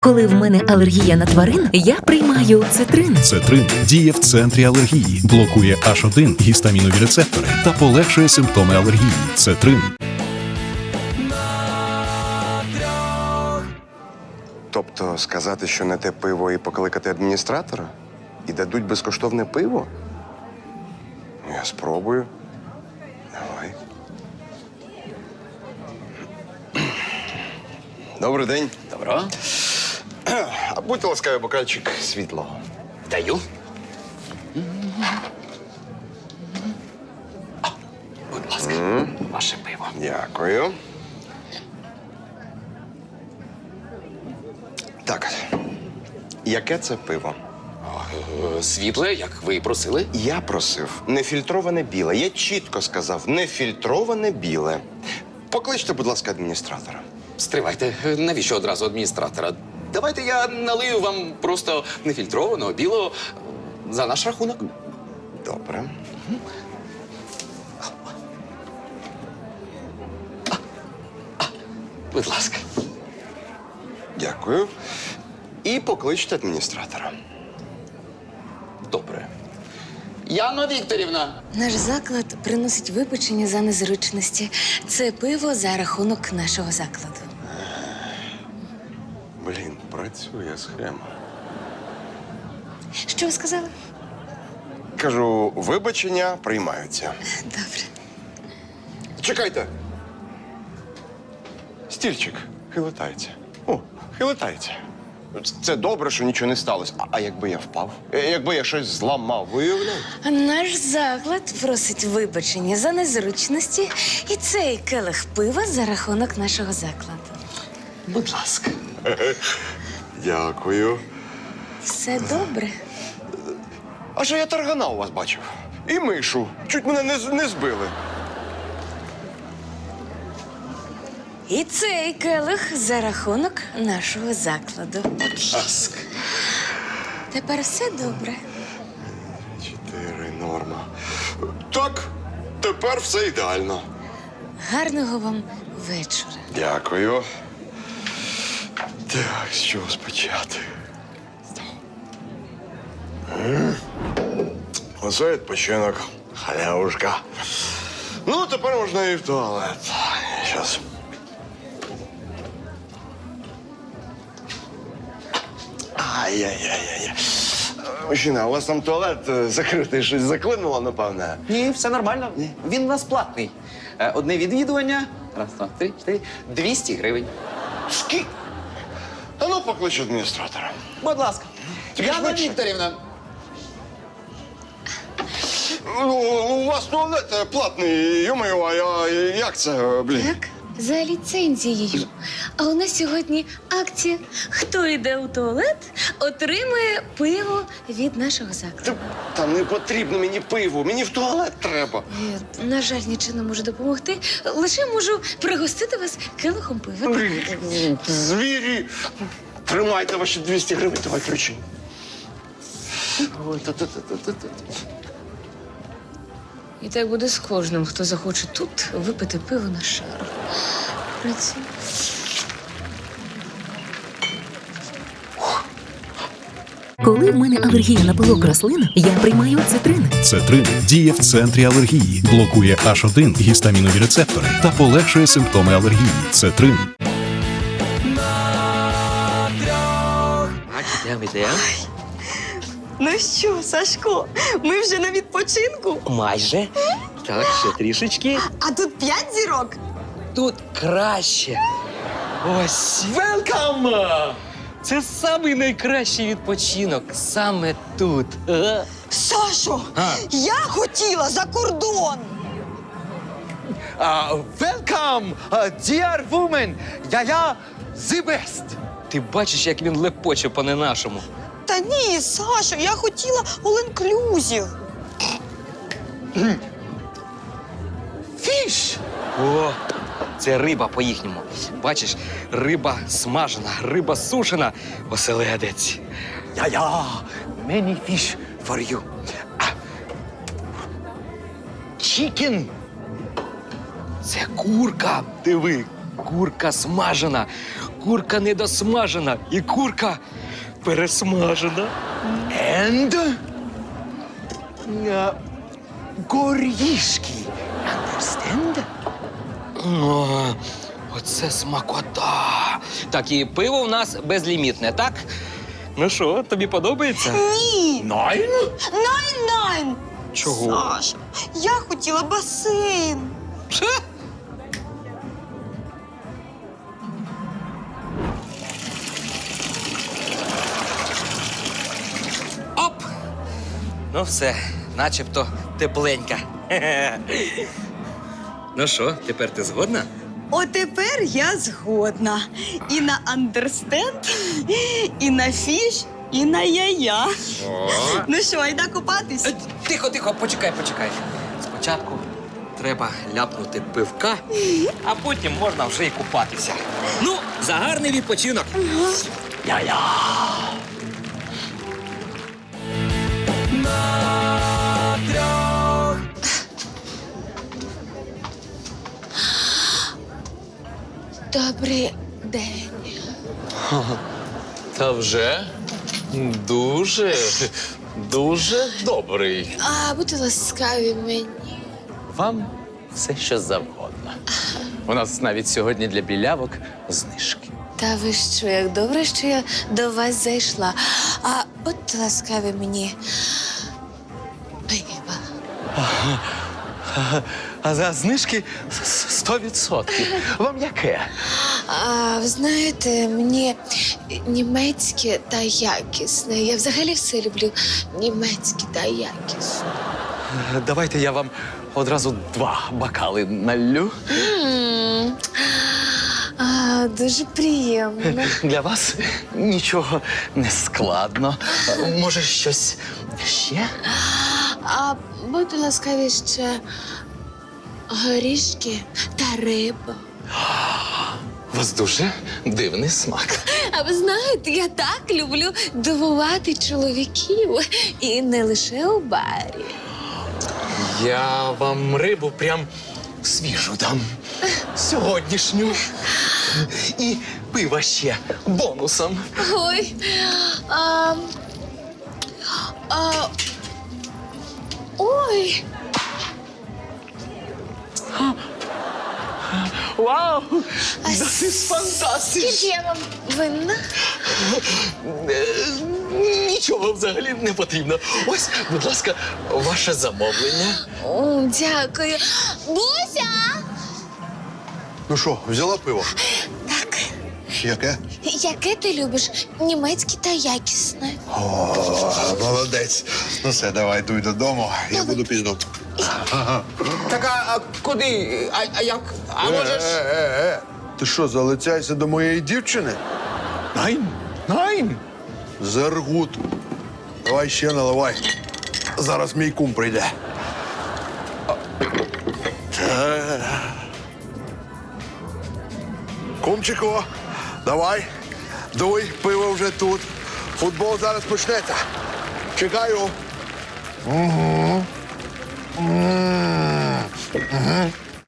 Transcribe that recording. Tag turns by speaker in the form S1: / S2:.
S1: Коли в мене алергія на тварин, я приймаю цитрин.
S2: Цетрин діє в центрі алергії, блокує H1 гістамінові рецептори та полегшує симптоми алергії. Цетрин.
S3: Тобто сказати, що не те пиво і покликати адміністратора? І дадуть безкоштовне пиво? Ну, я спробую. Давай. Добрий день.
S4: Добро.
S3: А будьте ласкаві, бокальчик світлого.
S4: Даю. Будь ласка, ваше пиво.
S3: Дякую. Так. Яке це пиво?
S4: Світле, як ви і просили.
S3: Я просив нефільтроване біле. Я чітко сказав нефільтроване біле. Покличте, будь ласка, адміністратора.
S4: Стривайте, навіщо одразу адміністратора? Давайте я налию вам просто нефільтрованого, білого за наш рахунок.
S3: Добре.
S4: Будь ласка.
S3: Дякую. І покличте адміністратора.
S4: Добре. Яно Вікторівна.
S5: Наш заклад приносить вибачення за незручності. Це пиво за рахунок нашого закладу.
S3: Блін, працює схема.
S5: Що ви сказали?
S3: Кажу, вибачення приймаються.
S5: Добре.
S3: Чекайте. Стільчик хилитається. О, хилитається. Це добре, що нічого не сталося. А якби я впав? Якби я щось зламав, виявляєте?
S5: Наш заклад просить вибачення за незручності і цей келих пива за рахунок нашого закладу.
S4: Будь ласка.
S3: Дякую.
S5: Все добре.
S3: А що я таргана у вас бачив? І мишу. Чуть мене не збили.
S5: І цей келих за рахунок нашого закладу.
S4: Будь ласка.
S5: Тепер все добре.
S3: 4 норма. Так, тепер все ідеально.
S5: Гарного вам вечора.
S3: Дякую. Так, з чого спочати? Оце відпочинок. Халявушка. Ну, тепер можна і в туалет. Щас. Ай-яй-яй-яй. Мужчина, у вас там туалет закритий, щось заклинуло, напевне.
S6: Ні, все нормально. Він у нас платний. Одне відвідування. Раз, два, три, 4. 200 гривень.
S3: Скільки? А ну, поклич адміністратора.
S6: Будь ласка.
S3: Тільки
S4: Яно
S3: швидше.
S4: Вікторівна.
S3: У вас туалет платний, йо-моє, а як це, блін?
S5: Так, за ліцензією. А у нас сьогодні акція. Хто йде у туалет, отримує пиво від нашого закладу.
S3: Та не потрібно мені пиво, мені в туалет треба.
S5: На жаль, нічого не можу допомогти. Лише можу пригостити вас келихом пива.
S3: Звірі! Тримайте ваші 200 гривень, давай ключі. Ой, та-та-та-та-та.
S5: І так буде з кожним, хто захоче тут випити пиво на шару. Працюй.
S1: Коли в мене алергія на пилок рослин, я приймаю цитрин.
S2: Цетрин діє в центрі алергії, блокує H1 гістамінові рецептори та полегшує симптоми алергії. Цетрин.
S7: Ну що, Сашко, ми вже на відпочинку,
S8: Майже. Так, ще трішечки.
S7: а тут 5 зірок.
S8: Тут краще. Ось. Велкам! Це самий найкращий відпочинок саме тут.
S7: Сашо, я хотіла за кордон.
S8: Welcome, dear woman! Я the best! Ти бачиш, як він лепоче по-не-нашому.
S7: Та ні, Сашо, я хотіла all-inclusive.
S8: Фіш! О, це риба по-їхньому. Бачиш, риба смажена, риба сушена, оселедець. Я, many fish for you. Chicken. Це курка. Диви, курка смажена, курка недосмажена, і курка пересмажена.
S6: And горішки. Understand?
S8: О, оце смакота. Так, і пиво у нас безлімітне, так? Ну що, тобі подобається?
S7: Ні!
S6: Найн?
S7: Найн-найн!
S8: Чого?
S7: Саша, я хотіла басейн.
S8: Ше? Оп! Ну все, начебто тепленька. Ну що, тепер ти згодна?
S7: Отепер я згодна. І на understand, і на фіш, і на яя. Ну що, айда купатись?
S8: Тихо, тихо, почекай, почекай. Спочатку треба ляпнути пивка, а потім можна вже й купатися. Ну, за гарний відпочинок. Я-я.
S5: Добрий день.
S4: Та вже дуже добрий.
S5: А будьте ласкаві мені.
S4: Вам все, що завгодно. У нас навіть сьогодні для білявок знижки.
S5: Та ви що, як добре, що я до вас зайшла. А будьте ласкаві мені. Пива.
S6: А за знижки 100%. Вам яке?
S5: А ви знаєте, мені німецьке та якісне. Я взагалі все люблю німецьке та якісне.
S6: Давайте я вам одразу 2 бокали налью.
S5: Дуже приємно.
S6: Для вас нічого не складно. Може, щось ще?
S5: А будьте ласкаві ще горішки та риба.
S4: У вас дуже дивний смак.
S5: А ви знаєте, я так люблю дивувати чоловіків. І не лише у барі.
S4: Я вам рибу прям свіжу дам.
S6: Сьогоднішню. І пиво ще бонусом.
S5: Ой. Ой.
S6: Вау!
S5: А
S6: Das ist fantastisch!
S5: Скільки я вам винна?
S6: Нічого взагалі не потрібно. Ось, будь ласка, ваше замовлення.
S5: Дякую. Буся!
S9: Ну що, взяла пиво?
S5: Так.
S9: Яке?
S5: Яке ти любиш? Німецьке та якісне.
S9: О, молодець. Ну все, давай, йду додому. Я буду пізно.
S4: Так, а куди? А як? А можеш?
S9: Ти що, залицяйся до моєї дівчини?
S6: Найн! Найн!
S9: Зергут. Давай ще наливай. Зараз мій кум прийде. Кумчику, давай. Дуй, пиво вже тут. Футбол зараз почнеться. Чекаю. Угу.